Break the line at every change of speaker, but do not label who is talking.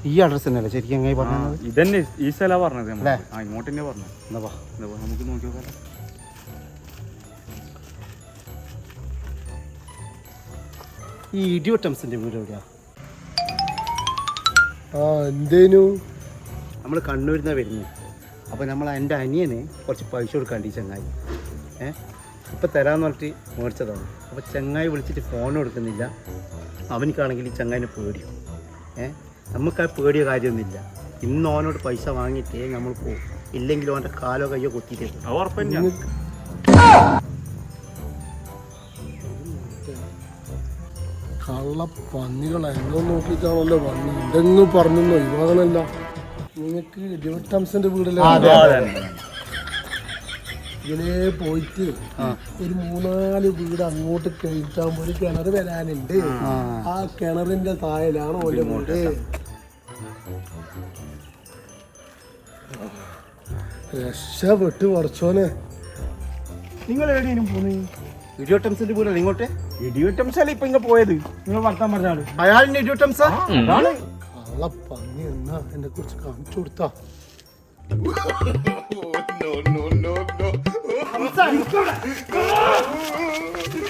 ഈ അഡ്രസ് തന്നെയല്ലേ ശരിക്കും എങ്ങനെ പറഞ്ഞത്?
ഇതന്നെ ഈ സ്ഥലമാണ് പറഞ്ഞത്. ഇങ്ങോട്ട് തന്നെ പറഞ്ഞു. നമുക്ക് നോക്കി നോക്കാം.
ഈ ഇഡിയോട്ടംസിന്റെ വീട് എവിടെയാ?
എന്തേനു?
നമ്മൾ കണ്ണൂരിൽ നിന്നാണ് വരുന്നത്. അപ്പോൾ നമ്മൾ എൻ്റെ അനിയന് കുറച്ച് പൈസ കൊടുക്കാണ്ട് ഈ ചങ്ങായി ഇപ്പം തരാമെന്ന് പറഞ്ഞിട്ട് മേടിച്ചതാണ്. അപ്പോൾ ചങ്ങായി വിളിച്ചിട്ട് ഫോൺ കൊടുക്കുന്നില്ല. അവനിക്കാണെങ്കിൽ ഈ ചങ്ങായിനെ പേടിയോ. നമുക്ക് ആ പേടിയോ കാര്യമൊന്നുമില്ല. ഇന്ന് ഓനോട് പൈസ വാങ്ങിയിട്ടേ നമ്മൾ പോകും. ഇല്ലെങ്കിൽ ഓൻ്റെ കാലോ കയ്യോ കൊത്തിയിട്ട്
കള്ള പന്നികൾ എന്തോ നോക്കിയിട്ടാണല്ലോ വന്നു. എന്തെങ്കിലും പറഞ്ഞോ ഇവാകണല്ല. നിങ്ങൾക്ക് ഡിവട്ടംസിന്റെ വീടല്ലേ? ഇതിലേ പോയിട്ട് ഒരു 3-4 വീട് അങ്ങോട്ട് കഴിച്ചാകുമ്പോൾ ഒരു കിണർ വരാനുണ്ട്. ആ കിണറിന്റെ താഴെയാണ് ഓന്റെ വീട്. രക്ഷപ്പെട്ട് കുറച്ചോനെ.
നിങ്ങൾ എവിടെയും പോന്നേ?
ഇഡിയോട്ടംസിന്റെ വീടല്ലേ ഇങ്ങോട്ട്?
ഇഡിയോട്ടംസ് അല്ലേ ഇപ്പൊ ഇങ്ങ പോയത്? നിങ്ങൾ വർത്താൻ പറഞ്ഞാണ്
അയാളിന്റെ ഇഡിയോട്ടംസാ?
കള്ള പന്നി എന്നാ എന്നെ കുറിച്ച് കാണിച്ചു കൊടുത്താ.
No.